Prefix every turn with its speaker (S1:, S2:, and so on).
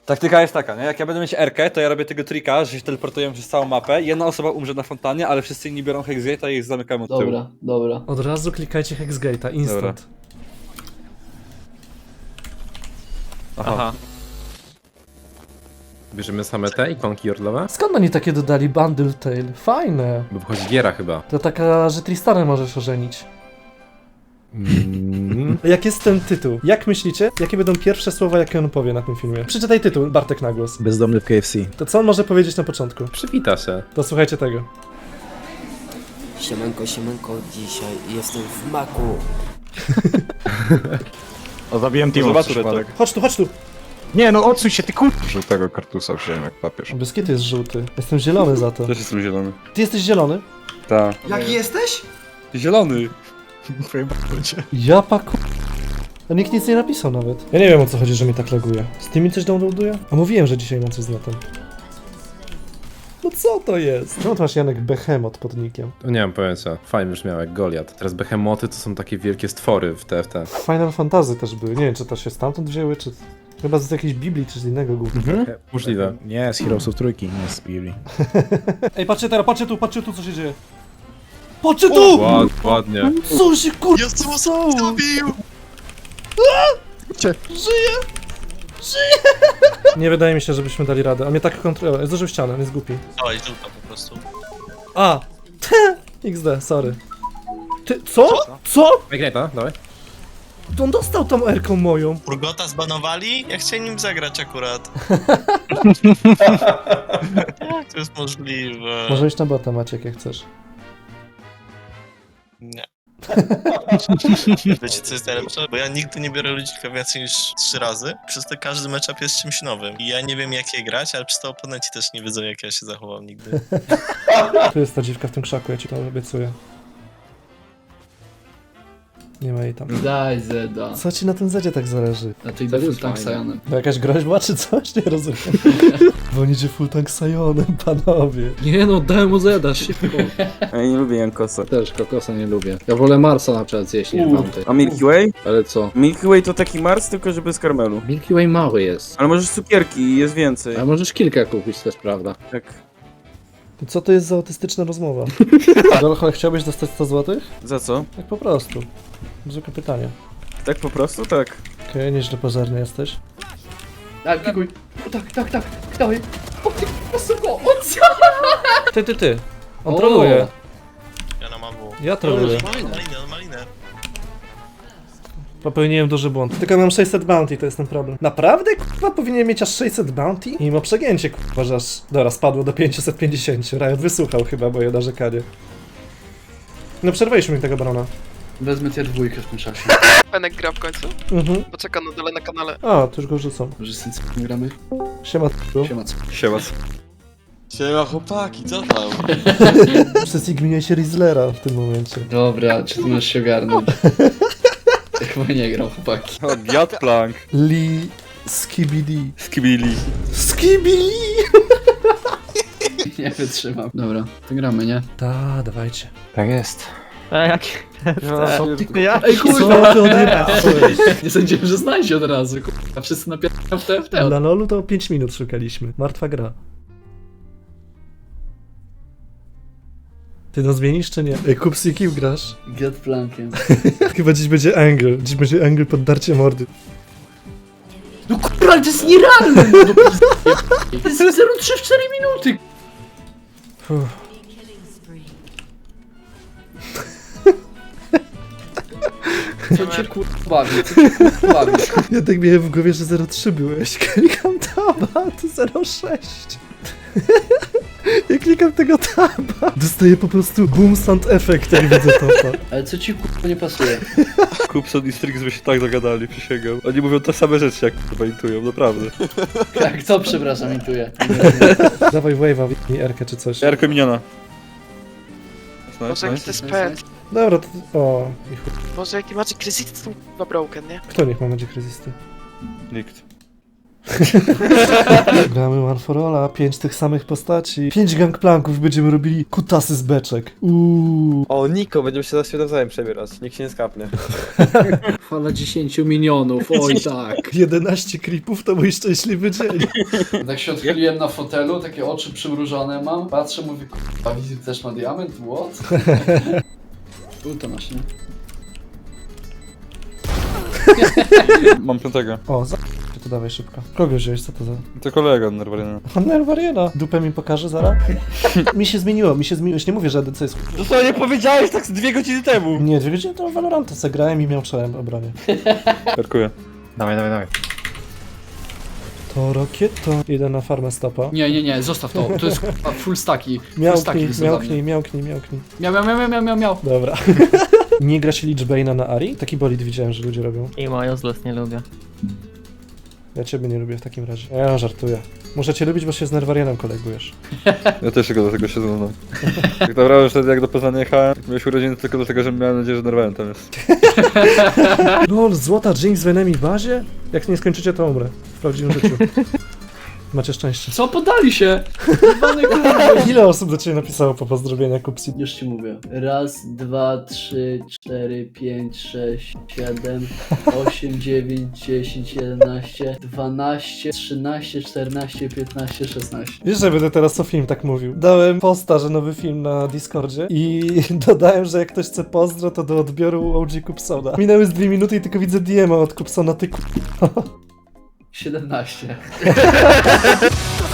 S1: Taktyka jest taka, nie? Jak ja będę mieć R-kę, to ja robię tego trika, że się teleportuję przez całą mapę. Jedna osoba umrze na fontannie, ale wszyscy inni biorą Hexgate'a i ich zamykamy od tyłu.
S2: Dobra, dobra.
S3: Od razu klikajcie Hexgate'a, instant.
S1: Aha.
S4: Bierzemy same te ikonki jordlowe?
S3: Skąd oni takie dodali Bundle Tale? Fajne.
S4: Bo wchodzi giera chyba.
S3: To taka, że Tristanę możesz ożenić. Jak jest ten tytuł? Jak myślicie, jakie będą pierwsze słowa, jakie on powie na tym filmie? Przeczytaj tytuł, Bartek na głos.
S5: Bezdomny w KFC.
S3: To co on może powiedzieć na początku?
S4: Przywita się.
S3: To słuchajcie tego.
S6: Siemanko, siemanko, dzisiaj jestem w maku.
S5: O, zabiłem Timo
S1: Zobacz,
S5: przez przypadek.
S3: Chodź tu, chodź tu!
S5: Nie no, odsuń się, ty kur...
S7: Żółtego kartusa wziąłem jak papież.
S3: Biskit jest żółty. Jestem zielony za to.
S1: Też jestem zielony.
S3: Ty jesteś zielony?
S1: Tak.
S8: Jaki jesteś?
S1: Zielony!
S3: Ja paku... A nikt nic nie napisał nawet. Ja nie wiem, o co chodzi, że mi tak laguje. Z mi coś downloaduje? A mówiłem, że dzisiaj mam coś z netem. No co to jest? Czemu ty masz, Janek, Behemoth pod nickiem?
S4: To nie mam pojęcia. Fajnie brzmiał jak Goliat. Teraz behemoty to są takie wielkie stwory w TFT.
S3: Final Fantasy też były. Nie wiem, czy to się stamtąd wzięły, czy... Chyba z jakiejś Biblii, czy z innego gówna.
S4: Możliwe.
S5: Nie, z Heroesów trójki, nie z Biblii.
S3: Ej, patrzcie teraz, patrzcie tu, co się dzieje. Patrzcie tu!
S4: Ładnie.
S3: Co się kurwa
S8: Jezu,
S3: stało?
S8: zrobił!
S3: Nie wydaje mi się, żebyśmy dali radę. A mnie tak kontroluje. Zdążył ścianę, on jest głupi.
S8: Dawaj, żółta po prostu.
S3: A! XD, sorry. Ty, co? Co?
S4: Greta, dawaj.
S3: On dostał tą R-ką moją.
S8: Urgota zbanowali? Ja chciałem nim zagrać akurat. Jak to jest możliwe?
S3: Może iść na bota, Maciek, jak chcesz.
S8: Nie. Wiecie co jest najlepsze? Bo ja nigdy nie biorę ludzika więcej niż 3 razy. Przez to każdy matchup jest czymś nowym. I ja nie wiem jak je grać, ale przez to oponenci też nie wiedzą jak ja się zachowam nigdy.
S3: Tu jest ta dziwka w tym krzaku, ja ci to obiecuję. Nie ma jej tam.
S2: Daj Zeda.
S3: Co ci na tym zadzie tak zależy?
S2: A ty idę full tank Sionem.
S3: To jakaś groźba czy coś? Nie rozumiem. Bo on idzie full tank Sionem, panowie.
S2: Nie no, dałem mu Zeda, szybko.
S9: Ja nie lubię Jankosa.
S2: Też kokosa nie lubię. Ja wolę Marsa na przykład zjeść niż Bounty.
S9: A Milky Way?
S2: Ale co?
S9: Milky Way to taki Mars, tylko że bez karmelu.
S2: Milky Way mały jest.
S9: Ale możesz cukierki i jest więcej.
S2: A możesz kilka kupić też, prawda?
S9: Tak.
S3: To co to jest za autystyczna rozmowa? Dolchol, chciałbyś dostać 100 zł?
S9: Za co?
S3: Tak po prostu. Zwykłe pytanie.
S9: Tak po prostu? Tak.
S3: Okej, nieźle pożarny jesteś.
S2: Tak, pikuj. Tak, dawaj. O ty, wysoko, o co?
S3: Ty. On
S2: O!
S3: troluje.
S8: Ja na mawu.
S3: Ja troluję.
S8: Malinę.
S3: Popełniłem duży błąd. Tylko mam 600 bounty, to jest ten problem. Naprawdę, kurwa, powinien mieć aż 600 bounty? I mimo przegięcie, kurwa, że aż... Dobra, spadło do 550. Riot wysłuchał chyba moje narzekanie. No przerwaliśmy mi tego barona.
S2: Wezmę tier dwójkę w tym czasie.
S10: Fenek gra w końcu?
S3: Mhm.
S10: Poczeka na dole na kanale.
S3: A, to już go rzucą.
S2: Może z tym gramy?
S3: Siema,
S2: Siema, co?
S1: Siema.
S8: Siema chłopaki, co tam?
S3: Przez igminie się Rizzlera w tym momencie.
S2: Dobra, czy ty możesz się ogarnąć? Chyba nie gram, chłopaki.
S1: O, Gatplank.
S3: Lee Skibidi.
S1: Skibili.
S3: Skibili!
S2: Nie wytrzymam. Dobra, to gramy, nie?
S3: Ta, dawajcie.
S5: Tak jest.
S2: Ej,
S3: Co ty odjebałeś?
S2: Nie sądziłem, że znajdzie od razu, kurwa. Wszyscy napierają w TFT.
S3: Na LoLu to 5 minut szukaliśmy. Martwa gra. Ty no zmienisz czy nie? Ej, Kupsi, kim grasz?
S2: Get plankiem.
S3: Chyba dziś będzie angle. Dziś będzie angle poddarcie mordy.
S2: No kurwa, ale to jest nierealne, no do To jest 0,3 w 4 minuty.
S3: Uff.
S2: Co cię kurwa bawi? Co cię kurwa bawi?
S3: Ja tak miałem w głowie, że 0,3 byłeś. Klikam taba, to 0,6. Ja klikam tego taba. Dostaję po prostu boom sound effect, jak widzę topa.
S2: Ale co ci kurwa nie pasuje?
S1: Kupson i Strix by się tak dogadali, przysięgam. Oni mówią te same rzeczy, jak chyba intują, naprawdę.
S2: Jak to, przepraszam, intuję.
S3: Dawaj wave'a, mi R-kę czy coś.
S1: Jarko miniona.
S10: Boże, jaki to jest pet.
S3: Dobra, to... O, i chuj.
S10: Boże, jaki Magic Resist są chyba broken, nie?
S3: Kto niech ma Magic Resisty?
S1: Nikt.
S3: Gramy One for Alla, 5 tych samych postaci. 5 gangplanków, będziemy robili kutasy z beczek.
S11: O, Niko, będziemy się za siebie nawzajem przebierać. Nikt się nie skapnie.
S2: Fala 10 minionów, oj tak.
S3: 11 creepów to mój szczęśliwy dzień.
S12: Tak się odchyliłem na fotelu, takie oczy przymrużone mam. Patrzę, mówię, k***a, wizyt też ma diament? What?
S2: To masz, nie?
S1: Mam 5.
S3: O, to dawaj szybko. Kogo wziąłeś, co to za...
S1: To kolega Nerwariana.
S3: Nerwariana. Dupę mi pokaże zaraz? mi się zmieniło. Już nie mówię, że ADC jest...
S1: Dosłownie powiedziałeś tak z 2 godziny temu.
S3: Nie, 2 godziny temu Valoranta zagrałem i miał czołem obronie.
S1: Dziękuję.
S4: Dawaj, dawaj, dawaj.
S3: To rokieto. Idę na farmę stopa.
S12: Nie, zostaw to. To jest k***a, full staki.
S3: Miałknij.
S12: Miał.
S3: Dobra. Nie gra się Lichbane'a na Ari? Taki bolid widziałem, że ludzie robią.
S6: I moją zlos nie lubię.
S3: Ja ciebie nie lubię w takim razie. Ja żartuję. Muszę cię lubić, bo się z Nerwarianem kolegujesz.
S1: Ja też tylko do tego się znam. Tak naprawdę wtedy jak do Poznania jechałem, miałeś urodziny tylko dlatego, że miałem nadzieję, że Nerwarian tam jest.
S3: Lol, złota Jinx w enemy bazie? Jak nie skończycie, to umrę. W prawdziwym życiu. Macie szczęście.
S12: Co, podali się?
S3: Ile osób do ciebie napisało po pozdrowienia Kupsi?
S2: Już ci mówię. 1, 2, 3, 4, 5, 6, 7, 8, 9, 10, 11, 12, 13, 14, 15, 16.
S3: Wiesz, że będę teraz o film tak mówił. Dałem posta, że nowy film na Discordzie i dodałem, że jak ktoś chce pozdro, to do odbioru OG Kupsona. Minęły z 2 minuty i tylko widzę DM-a od Kupsona, ty
S2: 17.